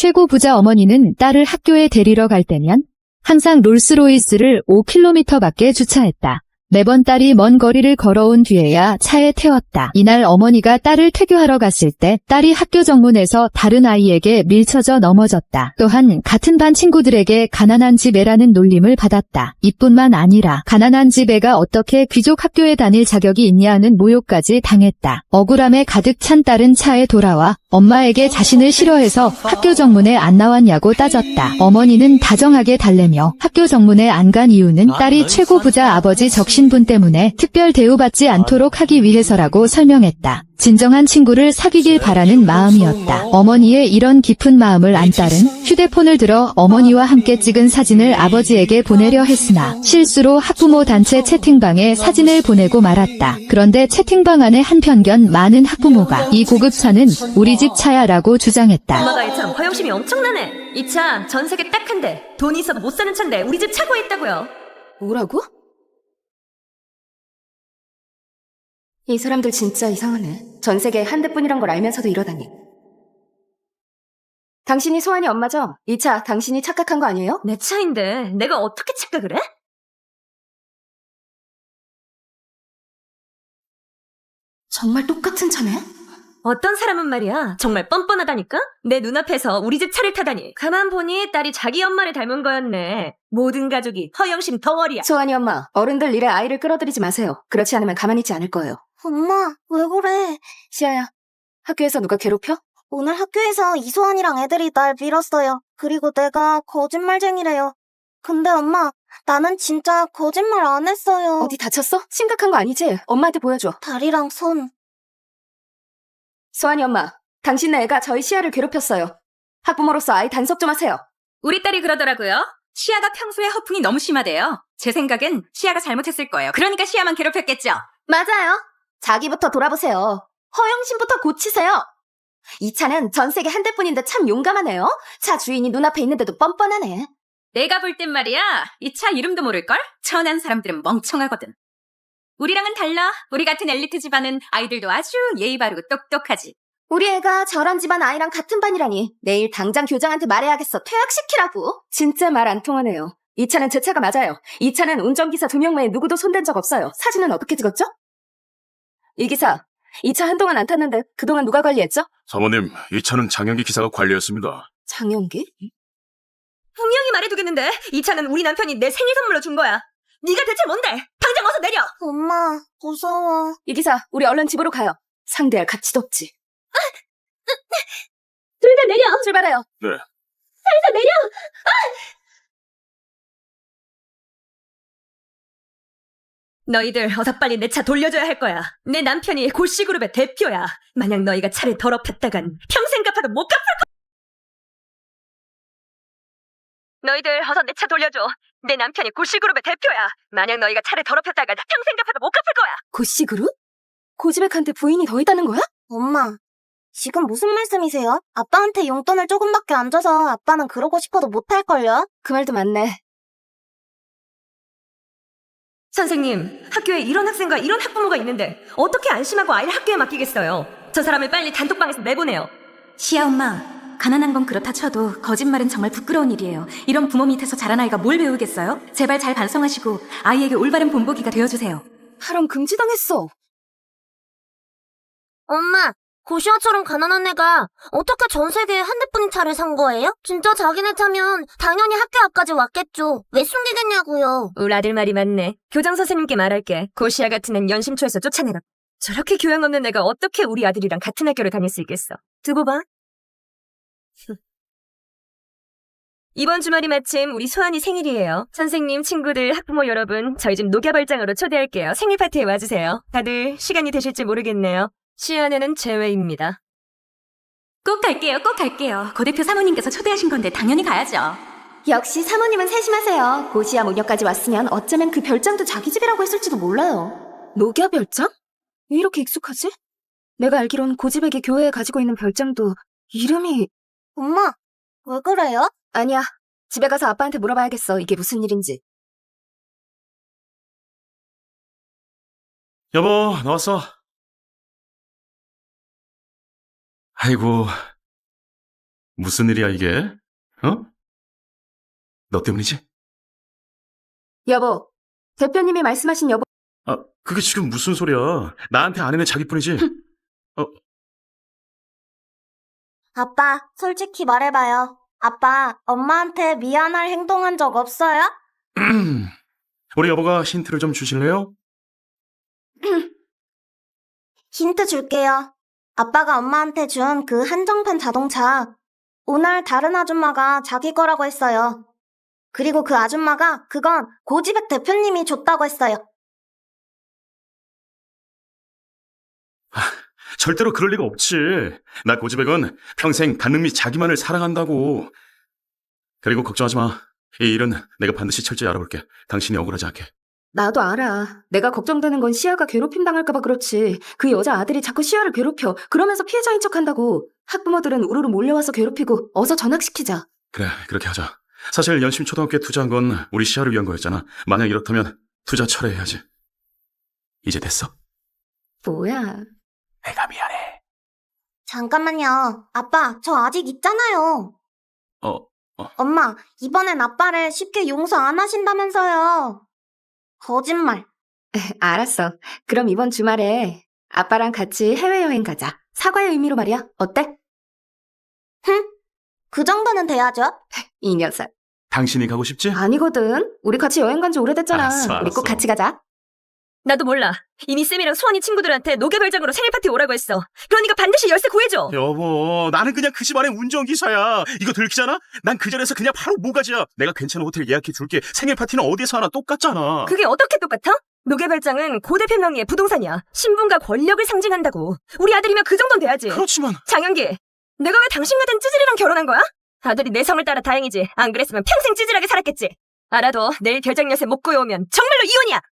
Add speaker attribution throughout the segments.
Speaker 1: 최고 부자 어머니는 딸을 학교에 데리러 갈 때면 항상 롤스로이스를 5km 밖에 주차했다. 매번 딸이 먼 거리를 걸어온 뒤에야 차에 태웠다. 이날 어머니가 딸을 퇴교하러 갔을 때 딸이 학교 정문에서 다른 아이에게 밀쳐져 넘어졌다. 또한 같은 반 친구들에게 가난한 집 애라는 놀림을 받았다. 이뿐만 아니라 가난한 집 애가 어떻게 귀족 학교에 다닐 자격이 있냐는 모욕까지 당했다. 억울함에 가득 찬 딸은 차에 돌아와 엄마에게 자신을 싫어해서 학교 정문에 안 나왔냐고 따졌다. 어머니는 다정하게 달래며 학교 정문에 안 간 이유는 딸이 최고 부자 아버지 적신분 때문에 특별 대우받지 않도록 하기 위해서라고 설명했다. 진정한 친구를 사귀길 바라는 마음이었다. 어머니의 이런 깊은 마음을 안 딸은 휴대폰을 들어 어머니와 함께 찍은 사진을 아버지에게 보내려 했으나 실수로 학부모 단체 채팅방에 사진을 보내고 말았다. 그런데 채팅방 안에 한 편견 많은 학부모가 이 고급차는 우리 집 차야 라고 주장했다.
Speaker 2: 엄마가 이 차 허영심이 엄청나네. 이 차 전 세계 딱 한 대. 돈이 있어도 못 사는 차인데 우리 집 차고에 있다고요.
Speaker 3: 뭐라고? 이 사람들 진짜 이상하네. 전 세계에 한 대뿐이란 걸 알면서도 이러다니. 당신이 소환이 엄마죠? 이 차 당신이 착각한 거 아니에요?
Speaker 2: 내 차인데 내가 어떻게 착각을 해?
Speaker 3: 정말 똑같은 차네?
Speaker 2: 어떤 사람은 말이야 정말 뻔뻔하다니까? 내 눈앞에서 우리 집 차를 타다니. 가만 보니 딸이 자기 엄마를 닮은 거였네. 모든 가족이 허영심 덩어리야.
Speaker 3: 소환이 엄마, 어른들 일에 아이를 끌어들이지 마세요. 그렇지 않으면 가만히 있지 않을 거예요.
Speaker 4: 엄마, 왜 그래?
Speaker 3: 시아야, 학교에서 누가 괴롭혀?
Speaker 4: 오늘 학교에서 이소환이랑 애들이 날 밀었어요. 그리고 내가 거짓말쟁이래요. 근데 엄마, 나는 진짜 거짓말 안 했어요.
Speaker 3: 어디 다쳤어? 심각한 거 아니지? 엄마한테 보여줘.
Speaker 4: 다리랑 손.
Speaker 3: 소환이 엄마, 당신네 애가 저희 시아를 괴롭혔어요. 학부모로서 아이 단속 좀 하세요.
Speaker 2: 우리 딸이 그러더라고요. 시아가 평소에 허풍이 너무 심하대요. 제 생각엔 시아가 잘못했을 거예요. 그러니까 시아만 괴롭혔겠죠.
Speaker 3: 맞아요. 자기부터 돌아보세요. 허영심부터 고치세요. 이 차는 전 세계 한 대뿐인데 참 용감하네요. 차 주인이 눈앞에 있는데도 뻔뻔하네.
Speaker 2: 내가 볼 땐 말이야, 이 차 이름도 모를걸? 천한 사람들은 멍청하거든. 우리랑은 달라. 우리 같은 엘리트 집안은 아이들도 아주 예의 바르고 똑똑하지.
Speaker 3: 우리 애가 저런 집안 아이랑 같은 반이라니. 내일 당장 교장한테 말해야겠어. 퇴학시키라고. 진짜 말 안 통하네요. 이 차는 제 차가 맞아요. 이 차는 운전기사 2명 외에 누구도 손댄 적 없어요. 사진은 어떻게 찍었죠? 이 기사, 이 차 한동안 안 탔는데 그동안 누가 관리했죠?
Speaker 5: 사모님, 이 차는 장영기 기사가 관리했습니다.
Speaker 3: 장영기?
Speaker 2: 분명히 말해두겠는데 이 차는 우리 남편이 내 생일 선물로 준 거야. 네가 대체 뭔데? 당장 어서 내려!
Speaker 4: 엄마, 무서워.
Speaker 3: 이 기사, 우리 얼른 집으로 가요. 상대할 가치도 없지.
Speaker 2: 둘 다 내려!
Speaker 3: 출발해요.
Speaker 5: 네.
Speaker 2: 살살 내려! 너희들 어서 빨리 내 차 돌려줘야 할 거야. 내 남편이 고씨그룹의 대표야. 만약 너희가 차를 더럽혔다간 평생 갚아도 못 갚을 거야. 너희들 어서 내 차 돌려줘. 내 남편이 고씨그룹의 대표야. 만약 너희가 차를 더럽혔다간 평생 갚아도 못 갚을 거야.
Speaker 3: 고씨그룹? 고지백한테 부인이 더 있다는 거야?
Speaker 4: 엄마, 지금 무슨 말씀이세요? 아빠한테 용돈을 조금밖에 안 줘서 아빠는 그러고 싶어도 못할걸요?
Speaker 3: 그 말도 맞네.
Speaker 2: 선생님, 학교에 이런 학생과 이런 학부모가 있는데 어떻게 안심하고 아이를 학교에 맡기겠어요? 저 사람을 빨리 단톡방에서 내보내요.
Speaker 6: 시아 엄마, 가난한 건 그렇다 쳐도 거짓말은 정말 부끄러운 일이에요. 이런 부모 밑에서 자란 아이가 뭘 배우겠어요? 제발 잘 반성하시고 아이에게 올바른 본보기가 되어주세요.
Speaker 3: 하람 금지당했어.
Speaker 4: 엄마, 고시아처럼 가난한 애가 어떻게 전 세계에 한 대뿐인 차를 산 거예요? 진짜 자기네 차면 당연히 학교 앞까지 왔겠죠. 왜 숨기겠냐고요.
Speaker 2: 우리 아들 말이 맞네. 교장 선생님께 말할게. 고시아 같은 앤 연심초에서 쫓아내라. 저렇게 교양 없는 애가 어떻게 우리 아들이랑 같은 학교를 다닐 수 있겠어. 두고 봐. 이번 주말이 마침 우리 소환이 생일이에요. 선생님, 친구들, 학부모 여러분, 저희 집 녹야발장으로 초대할게요. 생일 파티에 와주세요. 다들 시간이 되실지 모르겠네요. 시안에는 제외입니다.
Speaker 6: 꼭 갈게요, 꼭 갈게요. 고 대표 사모님께서 초대하신 건데 당연히 가야죠.
Speaker 3: 역시 사모님은 세심하세요. 고시아 모녀까지 왔으면 어쩌면 그 별장도 자기 집이라고 했을지도 몰라요. 녹야 별장? 왜 이렇게 익숙하지? 내가 알기론 고지백이 교회에 가지고 있는 별장도 이름이...
Speaker 4: 엄마, 왜 그래요?
Speaker 3: 아니야. 집에 가서 아빠한테 물어봐야겠어. 이게 무슨 일인지.
Speaker 5: 여보, 나왔어. 아이고, 무슨 일이야, 이게? 어? 너 때문이지?
Speaker 3: 여보, 대표님이 말씀하신 여보.
Speaker 5: 아, 그게 지금 무슨 소리야? 나한테 아내는 자기뿐이지?
Speaker 4: 아빠, 솔직히 말해봐요. 아빠, 엄마한테 미안할 행동한 적 없어요?
Speaker 5: 우리 여보가 힌트를 좀 주실래요?
Speaker 4: 힌트 줄게요. 아빠가 엄마한테 준 그 한정판 자동차, 오늘 다른 아줌마가 자기 거라고 했어요. 그리고 그 아줌마가 그건 고지백 대표님이 줬다고 했어요.
Speaker 5: 절대로 그럴 리가 없지. 나 고지백은 평생 간능미 자기만을 사랑한다고. 그리고 걱정하지 마. 이 일은 내가 반드시 철저히 알아볼게. 당신이 억울하지 않게.
Speaker 3: 나도 알아. 내가 걱정되는 건 시아가 괴롭힘 당할까봐 그렇지. 그 여자 아들이 자꾸 시아를 괴롭혀. 그러면서 피해자인 척한다고. 학부모들은 우르르 몰려와서 괴롭히고 어서 전학시키자.
Speaker 5: 그래, 그렇게 하자. 사실 연심초등학교에 투자한 건 우리 시아를 위한 거였잖아. 만약 이렇다면 투자 철회해야지. 이제 됐어?
Speaker 3: 뭐야.
Speaker 5: 내가 미안해.
Speaker 4: 잠깐만요. 아빠, 저 아직 있잖아요. 엄마, 이번엔 아빠를 쉽게 용서 안 하신다면서요. 거짓말.
Speaker 3: 알았어. 그럼 이번 주말에 아빠랑 같이 해외여행 가자. 사과의 의미로 말이야. 어때?
Speaker 4: 그 정도는 돼야죠.
Speaker 3: 이 녀석.
Speaker 5: 당신이 가고 싶지?
Speaker 3: 아니거든. 우리 같이 여행 간 지 오래됐잖아.
Speaker 5: 알았어,
Speaker 3: 우리 꼭
Speaker 5: 알았어.
Speaker 3: 같이 가자.
Speaker 2: 나도 몰라. 이미 쌤이랑 수환이 친구들한테 노개별장으로 생일 파티 오라고 했어. 그러니까 반드시 열쇠 구해줘.
Speaker 5: 여보, 나는 그냥 그 집안의 운전기사야. 이거 들키잖아? 난 그 자리에서 그냥 바로 모가지야. 내가 괜찮은 호텔 예약해 줄게. 생일 파티는 어디에서 하나 똑같잖아.
Speaker 2: 그게 어떻게 똑같아? 노개별장은 고 대표 명의의 부동산이야. 신분과 권력을 상징한다고. 우리 아들이면 그 정도는 돼야지.
Speaker 5: 그렇지만
Speaker 2: 장현기, 내가 왜 당신 같은 찌질이랑 결혼한 거야? 아들이 내 성을 따라 다행이지. 안 그랬으면 평생 찌질하게 살았겠지. 알아도 내일 별장 열쇠 못 구해오면 정말로 이혼이야.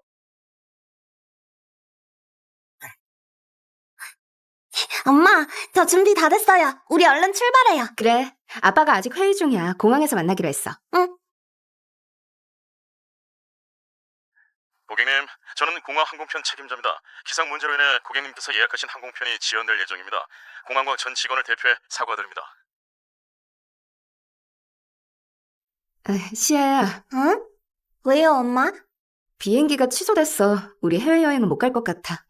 Speaker 4: 엄마, 저 준비 다 됐어요. 우리 얼른 출발해요.
Speaker 3: 그래. 아빠가 아직 회의 중이야. 공항에서 만나기로 했어.
Speaker 5: 고객님, 저는 공항 항공편 책임자입니다. 기상 문제로 인해 고객님께서 예약하신 항공편이 지연될 예정입니다. 공항과 전 직원을 대표해 사과드립니다.
Speaker 3: 시아야,
Speaker 4: 응? 왜요, 엄마?
Speaker 3: 비행기가 취소됐어. 우리 해외여행은 못 갈 것 같아.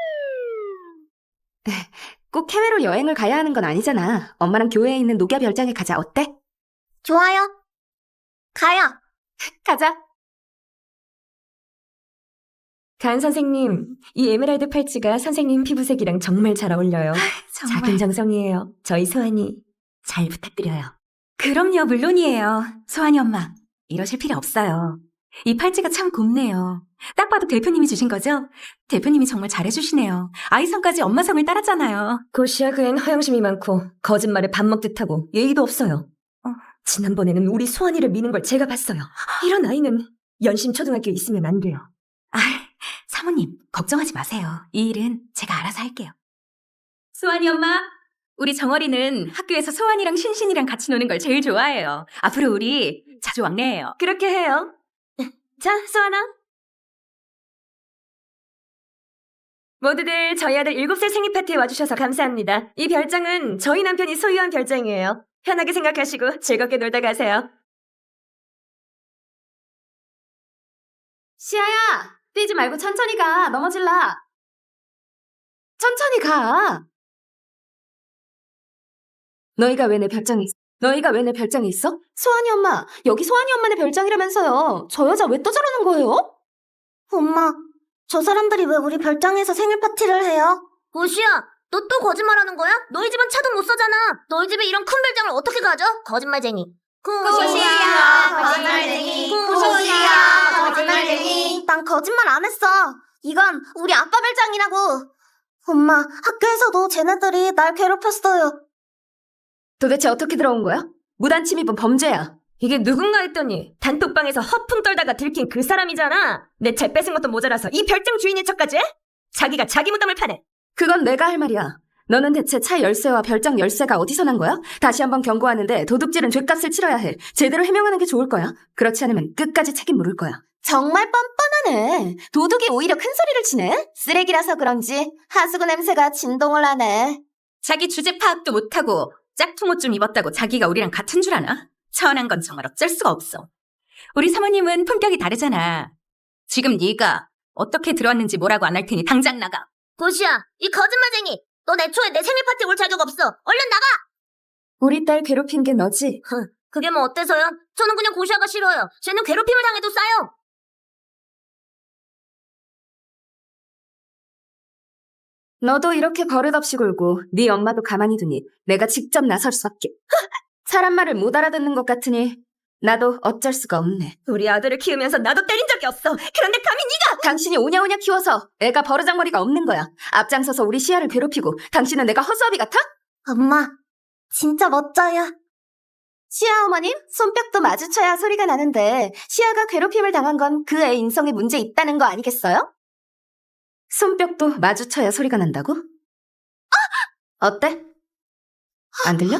Speaker 3: 꼭 해외로 여행을 가야 하는 건 아니잖아. 엄마랑 교회에 있는 녹야 별장에 가자. 어때?
Speaker 4: 좋아요. 가요.
Speaker 3: 가자.
Speaker 2: 간 선생님, 이 에메랄드 팔찌가 선생님 피부색이랑 정말 잘 어울려요.
Speaker 6: 정말.
Speaker 2: 작은 정성이에요. 저희 소환이 잘 부탁드려요.
Speaker 6: 그럼요, 물론이에요. 소환이 엄마, 이러실 필요 없어요. 이 팔찌가 참 곱네요. 딱 봐도 대표님이 주신 거죠? 대표님이 정말 잘해주시네요. 아이 성까지 엄마 성을 따랐잖아요.
Speaker 2: 고시야 그엔 허영심이 많고 거짓말에 밥 먹듯 하고 예의도 없어요. 지난번에는 우리 소환이를 미는 걸 제가 봤어요. 이런 아이는 연심 초등학교에 있으면 안 돼요.
Speaker 6: 아, 사모님, 걱정하지 마세요. 이 일은 제가 알아서 할게요. 소환이 엄마, 우리 정어리는 학교에서 소환이랑 신신이랑 같이 노는 걸 제일 좋아해요. 앞으로 우리 자주 왕래해요.
Speaker 2: 그렇게 해요. 자, 소환아. 모두들 저희 아들 7살 생일 파티에 와주셔서 감사합니다. 이 별장은 저희 남편이 소유한 별장이에요. 편하게 생각하시고 즐겁게 놀다 가세요.
Speaker 3: 시아야, 뛰지 말고 천천히 가. 넘어질라. 천천히 가. 너희가 왜 내 별장에 있어? 소환이 엄마, 여기 소환이 엄마네 별장이라면서요. 저 여자 왜 또 저러는 거예요?
Speaker 4: 엄마, 저 사람들이 왜 우리 별장에서 생일 파티를 해요? 고시야, 너 또 거짓말하는 거야? 너희 집은 차도 못 사잖아. 너희 집에 이런 큰 별장을 어떻게 가져? 거짓말쟁이.
Speaker 3: 고시야,
Speaker 4: 거짓말쟁이.
Speaker 3: 고시야,
Speaker 4: 거짓말쟁이. 난 거짓말 안 했어. 이건 우리 아빠 별장이라고. 엄마, 학교에서도 쟤네들이 날 괴롭혔어요.
Speaker 3: 도대체 어떻게 들어온 거야? 무단 침입은 범죄야.
Speaker 2: 이게 누군가 했더니 단톡방에서 허풍 떨다가 들킨 그 사람이잖아. 내 차 뺏은 것도 모자라서 이 별장 주인인 척까지 해? 자기가 자기 무덤을 파네.
Speaker 3: 그건 내가 할 말이야. 너는 대체 차 열쇠와 별장 열쇠가 어디서 난 거야? 다시 한번 경고하는데 도둑질은 죄값을 치러야 해. 제대로 해명하는 게 좋을 거야. 그렇지 않으면 끝까지 책임 물을 거야.
Speaker 4: 정말 뻔뻔하네. 도둑이 오히려 큰 소리를 치네. 쓰레기라서 그런지 하수구 냄새가 진동을 하네.
Speaker 6: 자기 주제 파악도 못하고 짝퉁 옷 좀 입었다고 자기가 우리랑 같은 줄 아나? 천한 건 정말 어쩔 수가 없어. 우리 사모님은 품격이 다르잖아. 지금 네가 어떻게 들어왔는지 뭐라고 안 할 테니 당장 나가.
Speaker 4: 고시야, 이 거짓말쟁이! 넌 애초에 내 생일 파티 올 자격 없어! 얼른 나가!
Speaker 3: 우리 딸 괴롭힌 게 너지?
Speaker 4: 그게 뭐 어때서요? 저는 그냥 고시아가 싫어요. 쟤는 괴롭힘을 당해도 싸요.
Speaker 3: 너도 이렇게 버릇없이 굴고 네 엄마도 가만히 두니 내가 직접 나설 수밖에. 사람 말을 못 알아듣는 것 같으니 나도 어쩔 수가 없네.
Speaker 2: 우리 아들을 키우면서 나도 때린 적이 없어. 그런데 감히 네가!
Speaker 3: 당신이 오냐오냐 키워서 애가 버르장머리가 없는 거야. 앞장서서 우리 시아를 괴롭히고 당신은 내가 허수아비 같아?
Speaker 4: 엄마, 진짜 멋져요.
Speaker 3: 시아 어머님, 손뼉도 마주쳐야 소리가 나는데 시아가 괴롭힘을 당한 건 그 애 인성에 문제 있다는 거 아니겠어요? 손뼉도 마주쳐야 소리가 난다고? 어때? 안 들려?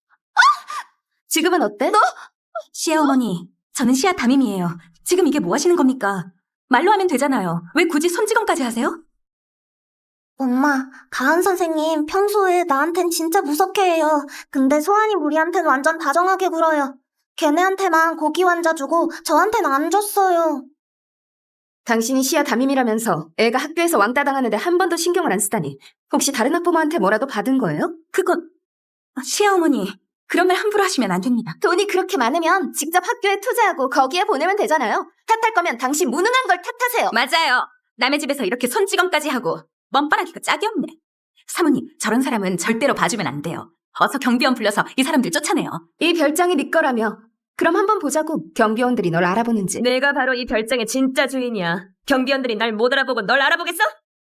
Speaker 3: 지금은 어때?
Speaker 6: 시아 어머니, 저는 시아 담임이에요. 지금 이게 뭐 하시는 겁니까? 말로 하면 되잖아요. 왜 굳이 손찌검까지 하세요?
Speaker 4: 엄마, 가은 선생님 평소에 나한텐 진짜 무섭게 해요. 근데 소환이 우리한텐 완전 다정하게 굴어요. 걔네한테만 고기 환자 주고 저한텐 안 줬어요.
Speaker 3: 당신이 시아 담임이라면서 애가 학교에서 왕따 당하는데 한 번도 신경을 안 쓰다니. 혹시 다른 학부모한테 뭐라도 받은 거예요?
Speaker 6: 그건 시아 어머니, 그런 말 함부로 하시면 안 됩니다.
Speaker 3: 돈이 그렇게 많으면 직접 학교에 투자하고 거기에 보내면 되잖아요. 탓할 거면 당신 무능한 걸 탓하세요.
Speaker 6: 맞아요. 남의 집에서 이렇게 손찌검까지 하고 뻔뻔하기가 짝이 없네. 사모님, 저런 사람은 절대로 봐주면 안 돼요. 어서 경비원 불러서 이 사람들 쫓아내요.
Speaker 3: 이 별장이 네 거라며. 그럼 한번 보자고. 경비원들이 널 알아보는지.
Speaker 2: 내가 바로 이 별장의 진짜 주인이야. 경비원들이 날 못 알아보고 널 알아보겠어?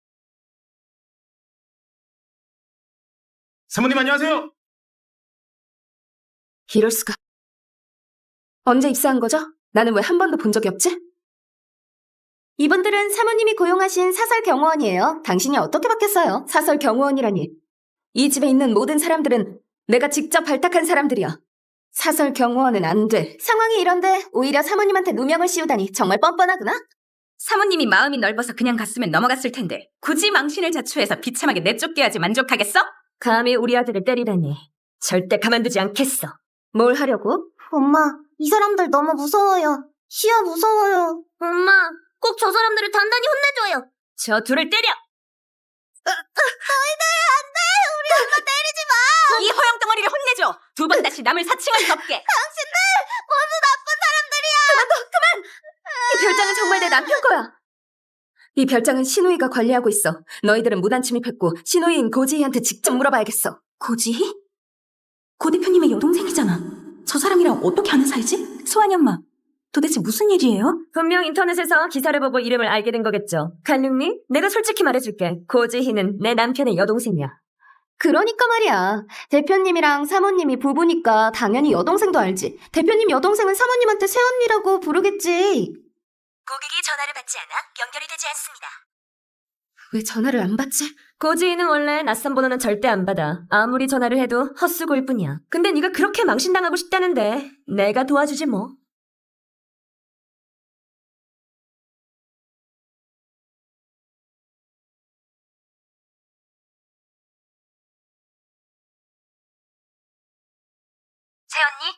Speaker 5: 사모님 안녕하세요.
Speaker 3: 이럴 수가. 언제 입사한 거죠? 나는 왜 한 번도 본 적이 없지? 이분들은 사모님이 고용하신 사설 경호원이에요. 당신이 어떻게 바뀌었어요? 사설 경호원이라니. 이 집에 있는 모든 사람들은 내가 직접 발탁한 사람들이야. 사설 경호원은 안 돼. 상황이 이런데 오히려 사모님한테 누명을 씌우다니 정말 뻔뻔하구나.
Speaker 6: 사모님이 마음이 넓어서 그냥 갔으면 넘어갔을 텐데 굳이 망신을 자초해서 비참하게 내쫓게 하지 만족하겠어?
Speaker 2: 감히 우리 아들을 때리다니. 절대 가만두지 않겠어.
Speaker 3: 뭘 하려고?
Speaker 4: 엄마, 이 사람들 너무 무서워요. 시아 무서워요. 엄마, 꼭 저 사람들을 단단히 혼내줘요.
Speaker 2: 저 둘을 때려!
Speaker 6: 이 허영덩어리를 혼내줘. 두 번 다시 남을 사칭할 수 없게.
Speaker 3: 이 별장은 정말 내 남편 거야. 이 별장은 신우이가 관리하고 있어. 너희들은 무단 침입했고 신우이인 고지희한테 직접 물어봐야겠어.
Speaker 6: 고지희? 고 대표님의 여동생이잖아. 저 사람이랑 어떻게 아는 사이지? 소환이 엄마, 도대체 무슨 일이에요?
Speaker 2: 분명 인터넷에서 기사를 보고 이름을 알게 된 거겠죠. 간육님, 내가 솔직히 말해줄게. 고지희는 내 남편의 여동생이야.
Speaker 3: 그러니까 말이야. 대표님이랑 사모님이 부부니까 당연히 여동생도 알지. 대표님 여동생은 사모님한테 새언니라고 부르겠지.
Speaker 6: 고객이 전화를 받지 않아 연결이 되지 않습니다.
Speaker 3: 왜 전화를 안 받지?
Speaker 2: 고지희는 원래 낯선 번호는 절대 안 받아. 아무리 전화를 해도 헛수고일 뿐이야. 근데 네가 그렇게 망신당하고 싶다는데 내가 도와주지 뭐.
Speaker 6: 새언니?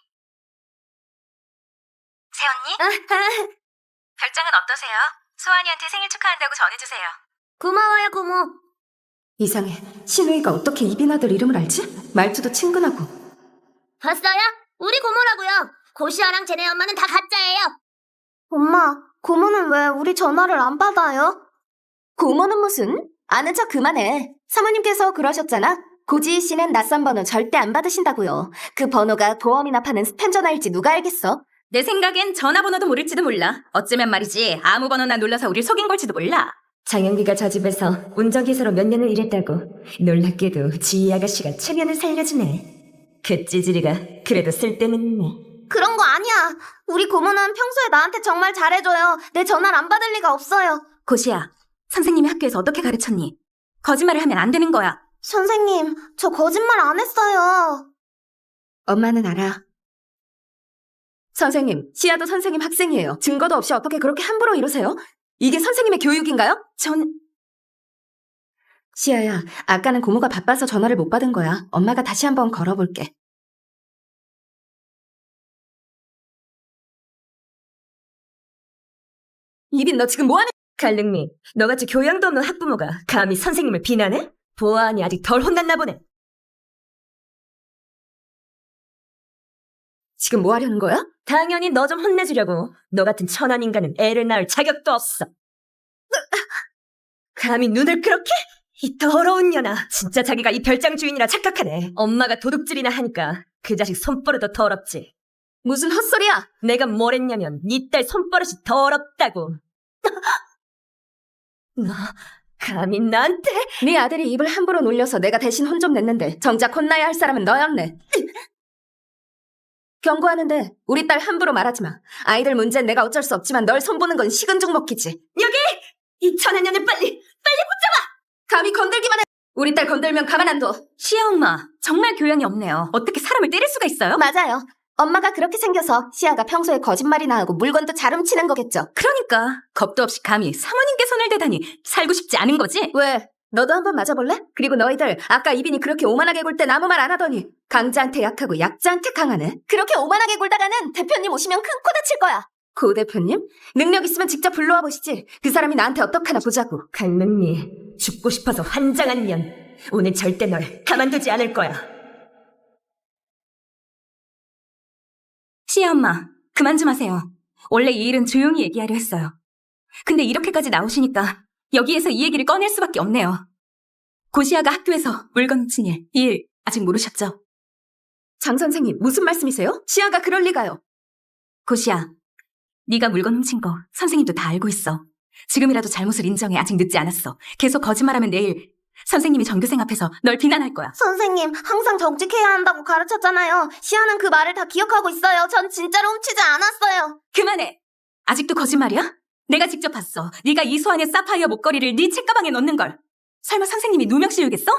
Speaker 6: 새언니? 별장은 어떠세요? 소환이한테 생일 축하한다고 전해주세요.
Speaker 4: 고마워요, 고모.
Speaker 3: 이상해. 신우이가 어떻게 이빈아들 이름을 알지? 말투도 친근하고.
Speaker 4: 봤어요? 우리 고모라고요. 고시아랑 쟤네 엄마는 다 가짜예요. 엄마, 고모는 왜 우리 전화를 안 받아요?
Speaker 3: 고모는 무슨? 아는 척 그만해. 사모님께서 그러셨잖아. 고지희 씨는 낯선 번호 절대 안 받으신다고요. 그 번호가 보험이나 파는 스팸 전화일지 누가 알겠어?
Speaker 6: 내 생각엔 전화번호도 모를지도 몰라. 어쩌면 말이지 아무 번호나 눌러서 우릴 속인 걸지도 몰라.
Speaker 2: 장영기가 저 집에서 운전기사로 몇 년을 일했다고. 놀랍게도 지희 아가씨가 체면을 살려주네. 그 찌질이가 그래도 쓸데는 있네.
Speaker 4: 그런 거 아니야. 우리 고모는 평소에 나한테 정말 잘해줘요. 내 전화를 안 받을 리가 없어요.
Speaker 6: 고시야, 선생님이 학교에서 어떻게 가르쳤니? 거짓말을 하면 안 되는 거야.
Speaker 4: 선생님, 저 거짓말 안 했어요.
Speaker 3: 엄마는 알아. 선생님, 시아도 선생님 학생이에요. 증거도 없이 어떻게 그렇게 함부로 이러세요? 이게 선생님의 교육인가요? 시아야, 아까는 고모가 바빠서 전화를 못 받은 거야. 엄마가 다시 한번 걸어볼게. 이빈, 너 지금 뭐하는...
Speaker 2: 갈릉미, 너같이 교양도 없는 학부모가 감히 선생님을 비난해? 보아하니 아직 덜 혼났나 보네.
Speaker 3: 지금 뭐 하려는 거야?
Speaker 2: 당연히 너 좀 혼내주려고. 너 같은 천한 인간은 애를 낳을 자격도 없어. 감히 눈을 그렇게? 이 더러운 년아. 진짜 자기가 이 별장 주인이라 착각하네. 엄마가 도둑질이나 하니까 그 자식 손버릇도 더럽지.
Speaker 3: 무슨 헛소리야!
Speaker 2: 내가 뭘 했냐면 네 딸 손버릇이 더럽다고. 너 감히 나한테?
Speaker 3: 네 아들이 입을 함부로 놀려서 내가 대신 혼 좀 냈는데 정작 혼나야 할 사람은 너였네. 경고하는데 우리 딸 함부로 말하지 마. 아이들 문제는 내가 어쩔 수 없지만 널 손보는 건 식은 죽 먹기지.
Speaker 2: 여기! 이 천한 년을 빨리!
Speaker 3: 감히 건들기만 해. 우리 딸 건들면 가만 안 둬.
Speaker 6: 시아 엄마, 정말 교양이 없네요. 어떻게 사람을 때릴 수가 있어요?
Speaker 4: 맞아요. 엄마가 그렇게 생겨서 시아가 평소에 거짓말이나 하고 물건도 잘 훔치는 거겠죠.
Speaker 6: 그러니까 겁도 없이 감히 사모님께 손을 대다니 살고 싶지 않은 거지?
Speaker 3: 왜? 너도 한번 맞아볼래? 그리고 너희들 아까 이빈이 그렇게 오만하게 굴 땐 아무 말 안 하더니 강자한테 약하고 약자한테 강하네.
Speaker 4: 그렇게 오만하게 굴다가는 대표님 오시면 큰 코 다칠 거야.
Speaker 3: 고 대표님? 능력 있으면 직접 불러와 보시지. 그 사람이 나한테 어떡하나 보자고.
Speaker 2: 갈릉리, 죽고 싶어서 환장한 년. 오늘 절대 널 가만두지 않을 거야.
Speaker 6: 시아 엄마, 그만 좀 하세요. 원래 이 일은 조용히 얘기하려 했어요. 근데 이렇게까지 나오시니까 여기에서 이 얘기를 꺼낼 수밖에 없네요. 고시아가 학교에서 물건 훔친 일, 이 일 아직 모르셨죠?
Speaker 3: 장 선생님, 무슨 말씀이세요? 시아가 그럴 리가요.
Speaker 6: 고시아, 네가 물건 훔친 거 선생님도 다 알고 있어. 지금이라도 잘못을 인정해. 아직 늦지 않았어. 계속 거짓말하면 내일 선생님이 전교생 앞에서 널 비난할 거야.
Speaker 4: 선생님, 항상 정직해야 한다고 가르쳤잖아요. 시아는 그 말을 다 기억하고 있어요. 전 진짜로 훔치지 않았어요.
Speaker 6: 그만해! 아직도 거짓말이야? 내가 직접 봤어. 네가 이소환의 사파이어 목걸이를 네 책가방에 넣는 걸. 설마 선생님이 누명 씌우겠어?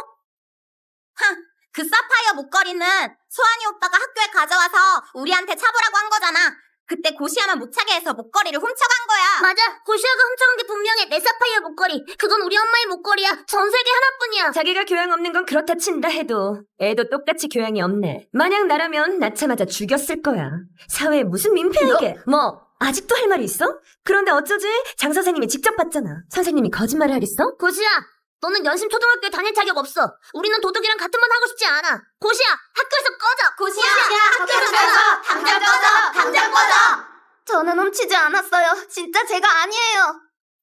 Speaker 4: 그 사파이어 목걸이는 소환이 오빠가 학교에 가져와서 우리한테 차보라고 한 거잖아. 그때 고시아만 못 차게 해서 목걸이를 훔쳐간 거야. 맞아. 고시아가 훔쳐간 게 분명해. 내 사파이어 목걸이. 그건 우리 엄마의 목걸이야. 전 세계 하나뿐이야.
Speaker 2: 자기가 교양 없는 건 그렇다 친다 해도 애도 똑같이 교양이 없네. 만약 나라면 낳자마자 죽였을 거야. 사회에 무슨 민폐이게. 뭐 아직도 할 말이 있어? 그런데 어쩌지? 장 선생님이 직접 봤잖아. 선생님이 거짓말을 하겠어?
Speaker 4: 고시아, 너는 연심 초등학교에 다닐 자격 없어. 우리는 도둑이랑 같은 반 하고 싶지 않아. 고시아, 학교에서 꺼져. 고시아, 학교에서 꺼져. 당장 꺼져. 당장 꺼져. 저는 훔치지 않았어요. 진짜 제가 아니에요.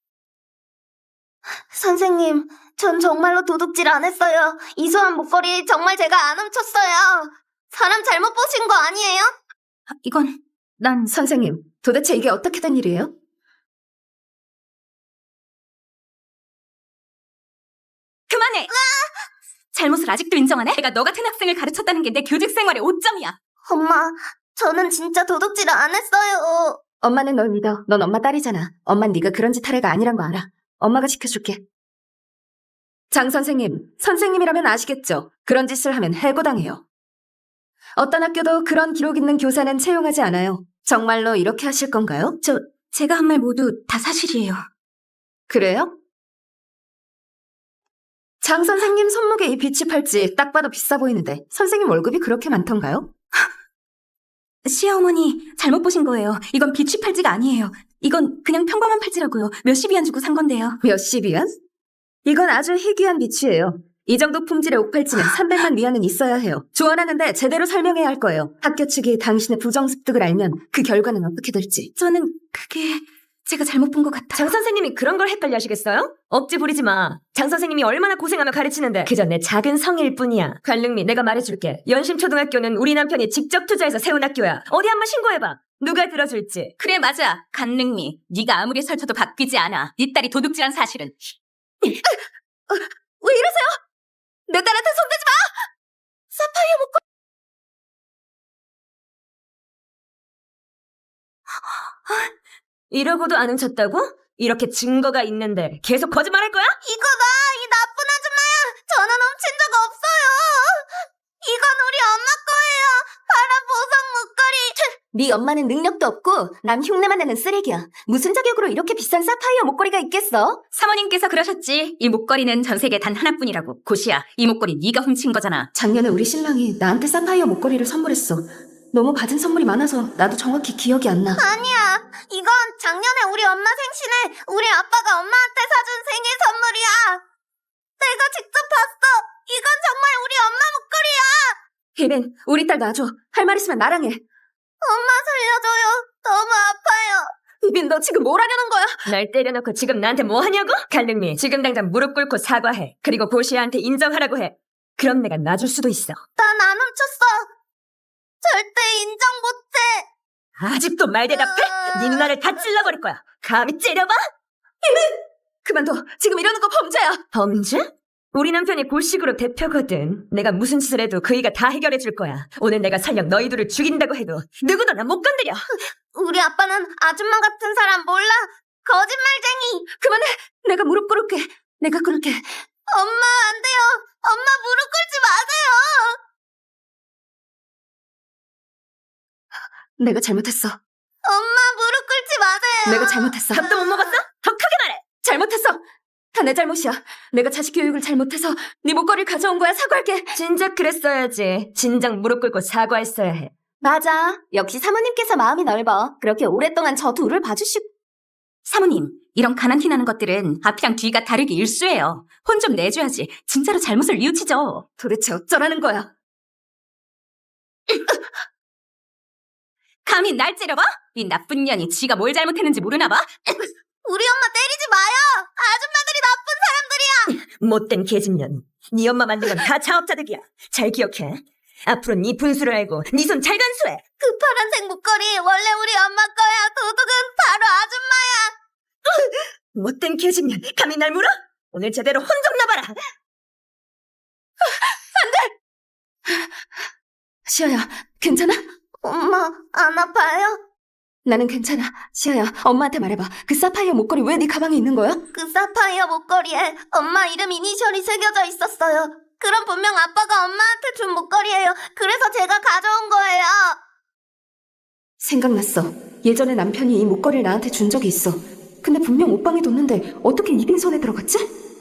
Speaker 4: 선생님, 전 정말로 도둑질 안 했어요. 이소한 목걸이 정말 제가 안 훔쳤어요. 사람 잘못 보신 거 아니에요?
Speaker 6: 이건 난
Speaker 3: 선생님, 도대체 이게 어떻게 된 일이에요?
Speaker 6: 그만해! 잘못을 아직도 인정하네? 내가 너 같은 학생을 가르쳤다는 게 내 교직 생활의 오점이야.
Speaker 4: 엄마, 저는 진짜 도둑질 안 했어요.
Speaker 3: 엄마는 널 믿어. 넌 엄마 딸이잖아. 엄만 네가 그런 짓 할 애가 아니란 거 알아. 엄마가 지켜줄게. 장 선생님, 선생님이라면 아시겠죠? 그런 짓을 하면 해고당해요. 어떤 학교도 그런 기록 있는 교사는 채용하지 않아요. 정말로 이렇게 하실 건가요?
Speaker 6: 제가 한 말 모두 다 사실이에요.
Speaker 3: 그래요? 장 선생님 손목에 이 비치 팔찌 딱 봐도 비싸 보이는데 선생님 월급이 그렇게 많던가요?
Speaker 6: 시아 어머니 잘못 보신 거예요. 이건 비취 팔찌가 아니에요. 이건 그냥 평범한 팔찌라고요. 몇십 위안 주고 산 건데요.
Speaker 3: 몇십 위안? 이건 아주 희귀한 비치예요. 이 정도 품질의 옥팔찌는 300만 위안은 있어야 해요. 조언하는데 제대로 설명해야 할 거예요. 학교 측이 당신의 부정습득을 알면 그 결과는 어떻게 될지.
Speaker 6: 저는 그게 제가 잘못 본 것 같아요.
Speaker 2: 장 선생님이 그런 걸 헷갈려 하시겠어요? 억지 부리지 마. 장 선생님이 얼마나 고생하며 가르치는데 그저 내 작은 성의일 뿐이야. 관릉미, 내가 말해줄게. 연심초등학교는 우리 남편이 직접 투자해서 세운 학교야. 어디 한번 신고해봐. 누가 들어줄지.
Speaker 6: 그래 맞아. 간능미. 네가 아무리 설쳐도 바뀌지 않아. 네 딸이 도둑질한 사실은.
Speaker 3: 왜 이러세요? 내 딸한테 손대지 마! 사파이어 목걸이!
Speaker 2: 이러고도 안 훔쳤다고? 이렇게 증거가 있는데 계속 거짓말할 거야?
Speaker 4: 이거다, 이 나쁜 아줌마야. 저는 훔친 적 없어요. 이건 우리 엄마 거예요. 바로 보석 목걸이.
Speaker 3: 네 엄마는 능력도 없고 남 흉내만 내는 쓰레기야. 무슨 자격으로 이렇게 비싼 사파이어 목걸이가 있겠어?
Speaker 6: 사모님께서 그러셨지. 이 목걸이는 전 세계 단 하나뿐이라고. 고시야, 이 목걸이 네가 훔친 거잖아.
Speaker 3: 작년에 우리 신랑이 나한테 사파이어 목걸이를 선물했어. 너무 받은 선물이 많아서 나도 정확히 기억이 안 나.
Speaker 4: 아니야. 이건 작년에 우리 엄마 생신에 우리 아빠가 엄마한테 사준 생일 선물이야. 내가 직접 봤어. 이건 정말 우리 엄마 목걸이야.
Speaker 3: 혜빈, 우리 딸 놔줘. 할 말 있으면 나랑 해.
Speaker 4: 엄마 살려줘요. 너무 아파요.
Speaker 3: 혜빈, 너 지금 뭘 하려는 거야?
Speaker 2: 날 때려놓고 지금 나한테 뭐 하냐고? 갈등미, 지금 당장 무릎 꿇고 사과해. 그리고 고시아한테 인정하라고 해. 그럼 내가 놔줄 수도 있어.
Speaker 4: 난 안 훔쳤어. 절대 인정 못해.
Speaker 2: 아직도 말 대답해? 네 누나를 다 찔러버릴 거야. 감히 째려봐?
Speaker 3: 그만둬. 지금 이러는 거 범죄야.
Speaker 2: 범죄? 우리 남편이 골식으로 대표거든. 내가 무슨 짓을 해도 그이가 다 해결해 줄 거야. 오늘 내가 설령 너희 둘을 죽인다고 해도 누구도 나 못 건드려.
Speaker 4: 우리 아빠는 아줌마 같은 사람 몰라. 거짓말쟁이.
Speaker 3: 그만해. 내가 무릎 꿇을게. 내가 꿇을게.
Speaker 4: 엄마 안 돼요. 엄마 무릎 꿇지 마세요.
Speaker 3: 내가 잘못했어.
Speaker 4: 엄마 무릎 꿇지 마세요.
Speaker 3: 내가 잘못했어.
Speaker 2: 밥도 못 먹었어? 더 크게 말해.
Speaker 3: 잘못했어. 다 내 잘못이야. 내가 자식 교육을 잘못해서 네 목걸이를 가져온 거야. 사과할게.
Speaker 2: 진작 그랬어야지. 진작 무릎 꿇고 사과했어야 해.
Speaker 3: 맞아. 역시 사모님께서 마음이 넓어. 그렇게 오랫동안 저 둘을 봐주시고.
Speaker 6: 사모님, 이런 가난티 나는 것들은 앞이랑 뒤가 다르게 일수예요. 혼 좀 내줘야지. 진짜로 잘못을 뉘우치죠.
Speaker 3: 도대체 어쩌라는 거야?
Speaker 6: 감히 날 째려봐? 이 나쁜 년이 지가 뭘 잘못했는지 모르나 봐?
Speaker 4: 우리 엄마 때리지 마요. 아줌마들이 나쁜 사람들이야.
Speaker 2: 못된 개집년. 네 엄마 만든 건 다 자업자득이야. 잘 기억해. 앞으로 네 분수를 알고 네 손 잘 간수해.
Speaker 4: 그 파란색 목걸이 원래 우리 엄마 거야. 도둑은 바로 아줌마야.
Speaker 2: 못된 개집년. 감히 날 물어? 오늘 제대로 혼 좀 나봐라.
Speaker 3: 시아야, 괜찮아?
Speaker 4: 엄마 안 아파요?
Speaker 3: 나는 괜찮아. 시아야, 엄마한테 말해봐. 그 사파이어 목걸이 왜 네 가방에 있는 거야?
Speaker 4: 그 사파이어 목걸이에 엄마 이름 이니셜이 새겨져 있었어요. 그럼 분명 아빠가 엄마한테 준 목걸이에요. 그래서 제가 가져온 거예요.
Speaker 3: 생각났어. 예전에 남편이 이 목걸이를 나한테 준 적이 있어. 근데 분명 옷방에 뒀는데 어떻게 이빈 손에 들어갔지?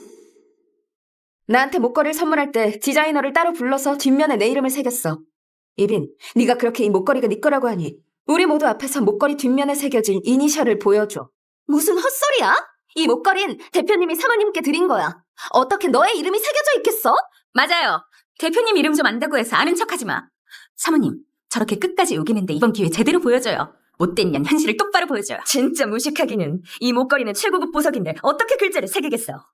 Speaker 3: 나한테 목걸이를 선물할 때 디자이너를 따로 불러서 뒷면에 내 이름을 새겼어. 이빈, 네가 그렇게 이 목걸이가 네 거라고 하니 우리 모두 앞에서 목걸이 뒷면에 새겨진 이니셜을 보여줘. 무슨 헛소리야? 이 목걸이는 대표님이 사모님께 드린 거야. 어떻게 너의 이름이 새겨져 있겠어?
Speaker 6: 맞아요. 대표님 이름 좀 안다고 해서 아는 척하지 마. 사모님, 저렇게 끝까지 우기는데 이번 기회 제대로 보여줘요. 못된 년 현실을 똑바로 보여줘요.
Speaker 2: 진짜 무식하기는. 이 목걸이는 최고급 보석인데 어떻게 글자를 새기겠어?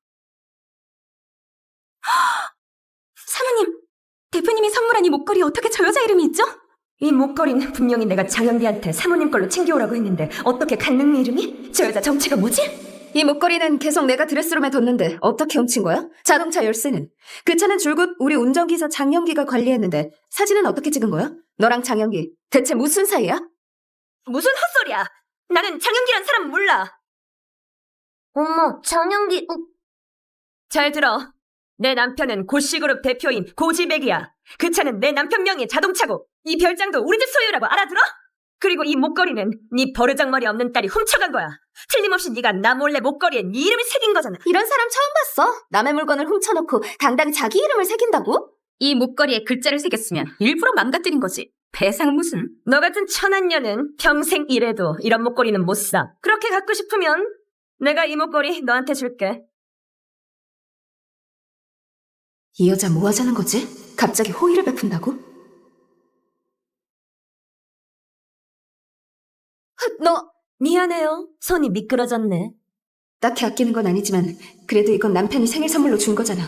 Speaker 6: 사모님, 대표님이 선물한 이 목걸이 어떻게 저 여자 이름이 있죠?
Speaker 2: 이 목걸이는 분명히 내가 장영비한테 사모님 걸로 챙겨오라고 했는데 어떻게 강릉미 이름이? 저 여자 정체가 뭐지?
Speaker 3: 이 목걸이는 계속 내가 드레스룸에 뒀는데 어떻게 훔친 거야? 자동차 열쇠는? 그 차는 줄곧 우리 운전기사 장영기가 관리했는데 사진은 어떻게 찍은 거야? 너랑 장영기 대체 무슨 사이야?
Speaker 2: 무슨 헛소리야. 나는 장영기란 사람 몰라.
Speaker 4: 어머, 장영기,
Speaker 2: 잘 들어. 내 남편은 고씨그룹 대표인 고지백이야. 그 차는 내 남편 명의 자동차고 이 별장도 우리 집 소유라고 알아들어? 그리고 이 목걸이는 네 버르장머리 없는 딸이 훔쳐간 거야. 틀림없이 네가 나 몰래 목걸이에 네 이름을 새긴 거잖아.
Speaker 3: 이런 사람 처음 봤어. 남의 물건을 훔쳐놓고 당당히 자기 이름을 새긴다고?
Speaker 6: 이 목걸이에 글자를 새겼으면 일부러 망가뜨린 거지. 배상 무슨.
Speaker 2: 너 같은 천한년은 평생 이래도 이런 목걸이는 못 사. 그렇게 갖고 싶으면 내가 이 목걸이 너한테 줄게.
Speaker 3: 이 여자 뭐 하자는 거지? 갑자기 호의를 베푼다고? 너
Speaker 2: 미안해요. 손이 미끄러졌네.
Speaker 3: 딱히 아끼는 건 아니지만 그래도 이건 남편이 생일 선물로 준 거잖아.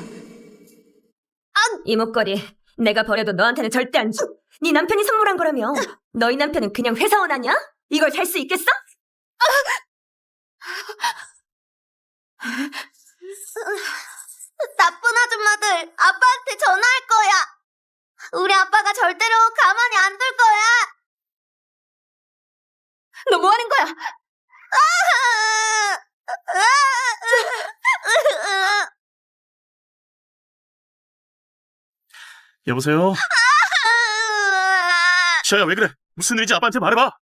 Speaker 2: 이 목걸이 내가 버려도 너한테는 절대 안 줘. 네 남편이 선물한 거라며. 너희 남편은 그냥 회사원 아니야? 이걸 살 수 있겠어?
Speaker 4: 나쁜 아줌마들 아빠한테 전화할 거야. 우리 아빠가 절대로 가만히 안 둘 거야.
Speaker 3: 너 뭐 하는 거야?
Speaker 5: 여보세요? 시아야, 왜 그래? 무슨 일인지 아빠한테 말해봐.